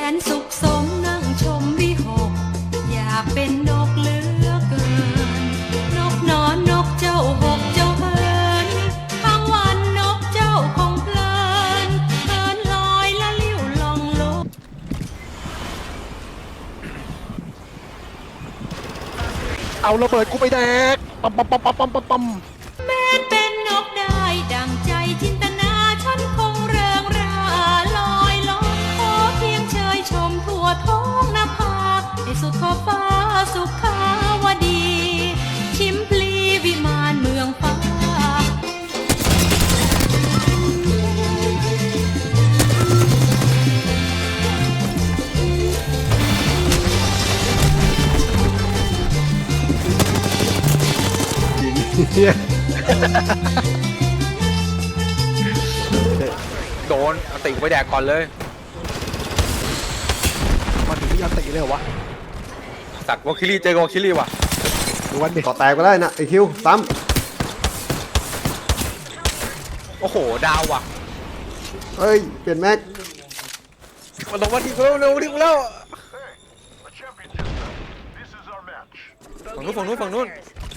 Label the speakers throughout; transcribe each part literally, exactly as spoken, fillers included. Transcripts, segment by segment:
Speaker 1: นสุขสมนั่งชมวิหกอยากเป็นนกเหลือเกินนกนอนนกเจ้าหกเจ้าเฮินทั้งวันนกเจ้าคงเพลินเฮินลอยละลิ้วลองลก
Speaker 2: เอาระเบิดกูไปแดกปั๊มปั๊มปั๊มปั๊มปั๊มปั๊มปั๊ม
Speaker 1: แม้เป็นนกได้ดังใจจินตนาฉันคงเริงราลอยลอยขอเพียงเชยชมทั่วท้องนภาให้สุดขอบฟ้าสุขาวดี ชิมพลีวิมานเมืองฟ้า
Speaker 3: เฮีย
Speaker 4: โดนเอาติไปแดกก่อนเลย
Speaker 2: มาถึงไม่ยันตีเลยเหรอวะ
Speaker 4: สักวอลคิลี่เจอวอลคิลี่ว่ะ
Speaker 2: ดูวันดิ
Speaker 3: ก่อแตกไปได้นะไอคิวซ้
Speaker 4: โอ้โหดาวว่ะ
Speaker 3: ำเอ้ยเปลี่ยนแม็ก
Speaker 4: มันลงมาทีกูแล้วเร็วทีกูแล้วฝั่งนู้นฝั่งนู้นฝั่งนู้น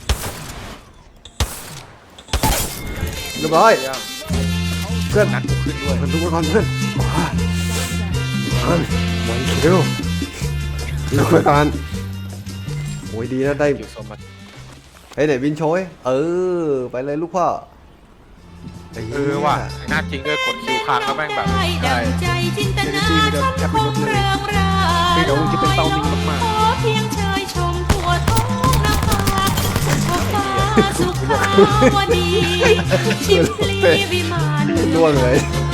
Speaker 3: เรียบร้อย
Speaker 4: เดี๋ยว
Speaker 3: เพื่อน
Speaker 4: นัดกูขึ้นด้วย
Speaker 3: เพื่อนทุกคนเพื่อนว้ามันมันคิวดูไปก่อนโอ้ยดีนะได้
Speaker 4: อยู่โซนมา
Speaker 3: เฮ้ยไหนบินโชยเออไปเลยลูกพ่อไหี้ย
Speaker 4: เออว่ะหน้าจริงด้วยกดคิวค้างแล้วแม่งแบบ
Speaker 1: ได้ดั
Speaker 4: ใช่
Speaker 1: งใจจินตนาฉันคงเริงรา
Speaker 2: เฮ้ยเดี๋ยวมึงจะเป็นเตานิ่งมาก
Speaker 1: ขอเพียงเชยชมทั่วท้องนภาสุขฟ้าสุขาวดี ชิมพลีวิมานเมือง
Speaker 3: ล่วงเลย
Speaker 1: ฟ้า